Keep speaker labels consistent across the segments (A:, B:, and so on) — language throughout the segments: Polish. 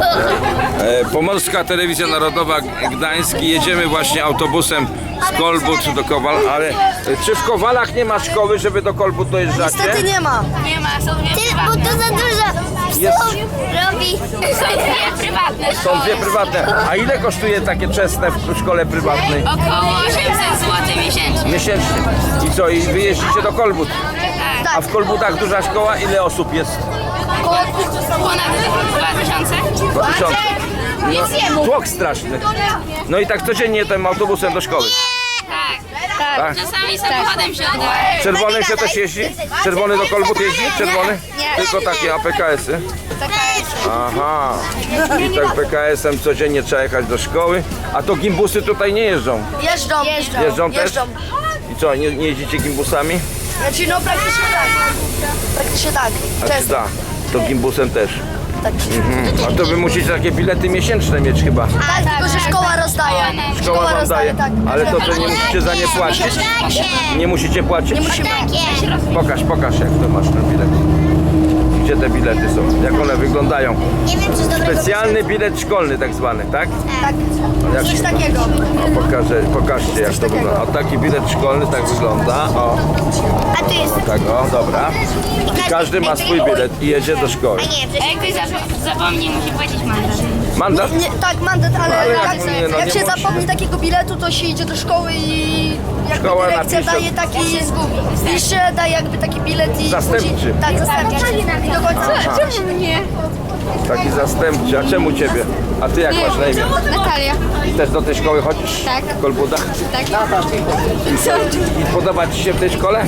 A: Pomorska Telewizja Narodowa Gdańsk. Jedziemy właśnie autobusem z Kolbut do Kowal, ale czy w Kowalach nie ma szkoły, żeby do Kolbut dojeżdżacie?
B: Niestety nie ma.
C: Nie ma, są dwie
D: Bo
C: prywatne.
D: to za dużo
A: Jest.
D: psów robi.
C: Są dwie prywatne
A: Są
C: szkoły.
A: dwie prywatne. A ile kosztuje takie czesne w szkole prywatnej?
C: Około 800 zł miesięcznie.
A: Miesięcznie. I co, i wy jeździcie do Kolbut?
C: Tak.
A: A w Kolbutach duża szkoła, ile osób jest?
C: Ponad 2000.
A: 2000. No, tłok straszny. No i tak codziennie tym autobusem do szkoły.
C: Tak.
A: Tak?
C: Czasami samochodem się udaje.
A: Czerwonym się też jeździ? Czerwony do Kolbut jeździ? Czerwony? Tylko takie APKS-y? Aha. I tak PKS-em codziennie trzeba jechać do szkoły. A to gimbusy tutaj nie jeżdżą?
B: Jeżdżą.
A: Jeżdżą też? I co, nie jeździcie gimbusami?
B: Znaczy no praktycznie tak. Praktycznie tak.
A: A czy
B: Często.
A: da? To gimbusem też.
B: Tak.
A: A to wy musicie takie bilety miesięczne mieć chyba.
B: Tak, tylko że szkoła rozdaje.
A: Szkoła wam
B: rozdaje,
A: daje.
B: tak.
A: Ale to wy nie musicie za nie płacić? Nie musicie płacić?
B: Nie musimy.
A: Pokaż jak to masz ten bilet. Gdzie te bilety są? Jak one wyglądają?
D: Nie wiem, czy z dobrego
A: Specjalny bilet szkolny tak zwany, tak?
B: Tak.
A: Jak
B: Coś takiego.
A: O, pokażcie jak to wygląda. O, taki bilet szkolny tak wygląda. O,
D: A tu jest.
A: tak, o, dobra. I każdy ma swój bilet i jedzie do szkoły.
D: A nie,
C: A jak ktoś zapomni, musi płacić mandat.
A: Mandat?
B: Nie, tak, mandat, ale
A: Ale
B: jak,
A: nie, no
B: jak
A: nie
B: się
A: musi.
B: zapomni takiego biletu, to się idzie do szkoły i jakby
A: Szkoła
B: dyrekcja
A: napisze.
B: daje taki pisze, daje jakby taki bilet i
A: Zastępczy.
B: później- Tak, zastępczy. I do końca.
A: Aha.
C: Czemu mnie?
A: Taki zastępczy. A czemu ciebie? A ty jak masz na imię?
C: Natalia.
A: Też do tej szkoły chodzisz?
C: Tak.
A: W Kolbudach?
C: Tak.
A: I podoba ci się w tej szkole?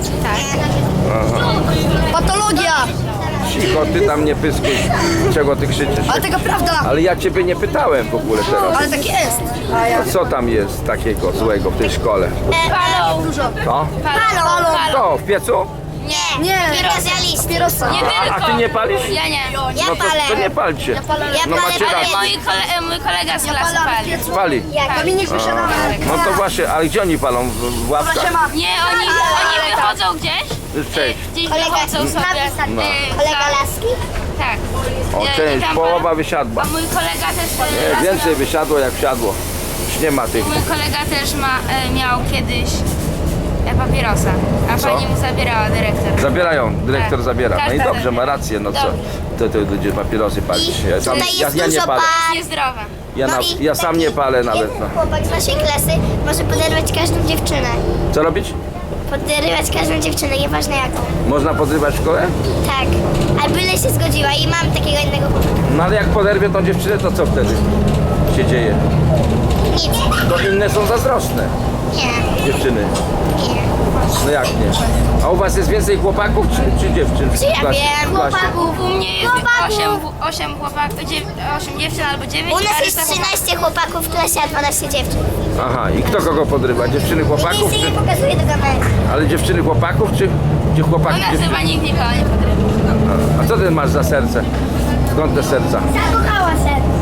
B: Patologia!
A: Cicho, ty tam nie pyskuj. Czego ty krzyczysz?
B: Ale taka prawda!
A: Ale ja ciebie nie pytałem w ogóle teraz.
B: Ale tak jest.
A: A co tam jest takiego złego w tej szkole?
C: Palą.
B: Dużo.
A: To?
C: Palą.
A: To, w piecu?
D: Nie,
B: Nie,
D: specjalista.
B: papierosa.
C: Nie tylko.
A: A ty nie palisz?
C: Ja nie.
D: Ja
A: No
D: palę.
A: to nie palcie.
D: Ja
A: No
D: palę,
A: macie
D: ale
A: rację.
C: Mój kolega z klasy
B: Palam w
C: pali.
B: piecu.
A: Pali.
B: Dominik wysiada.
A: No to właśnie, ale gdzie oni palą? W ławkach?
B: Proszę ma.
C: Nie, oni wychodzą gdzieś.
A: Cześć.
C: Gdzieś
D: Kolega
C: wychodzą sobie.
A: No.
D: Kolega laski?
C: Tak.
A: O,
C: I
A: część,
C: tam
A: połowa
C: palą.
A: wysiadła.
C: A mój kolega też.
A: Nie, więcej wysiadło jak wsiadło. Już nie ma tych.
C: Mój kolega też miał kiedyś papierosa, a
A: Co?
C: pani mu zabierała dyrektor.
A: Zabierają, dyrektor
C: Tak.
A: zabiera. No i
C: Każda
A: dobrze, ma
C: zabiera.
A: rację, no co?
C: Dobrze.
A: To ludzie papierosy palić.
D: I tutaj jest
A: Ja nie
D: dużo
A: palę.
D: par.
C: Niezdrowe.
A: Ja sam nie palę nawet.
D: Jeden
A: No.
D: chłopak z naszej klasy może poderwać każdą dziewczynę.
A: Co robić?
D: Podrywać każdą dziewczynę, nieważne jaką.
A: Można podrywać szkołę?
D: Tak. A byle się zgodziła i mam takiego innego chłopaka.
A: No ale jak poderwie tą dziewczynę, to co wtedy się dzieje?
D: Nic.
A: To inne są zazdrosne
D: Nie.
A: dziewczyny.
D: Nie.
A: No jak nie? A u was jest więcej chłopaków czy dziewczyn?
D: Czy ja
A: W klasie?
D: wiem,
A: W klasie?
D: chłopaków.
C: U mnie jest
D: Chłopaków.
C: 8 chłopaków, 8 dziewczyn albo 9.
D: U
C: a
D: nas
C: reszta
D: jest 13 chłopaków w klasie, a 12 dziewczyn.
A: Aha, i kto kogo podrywa? Dziewczyny chłopaków?
D: Nic
A: Czy,
D: nie pokazuje do kamery.
A: ale dziewczyny chłopaków czy chłopaki
C: U nas
A: dziewczyny?
C: chyba nikt nikogo nie podrywa.
A: A co ty masz za serce? Skąd te serca?
D: Zakochała się.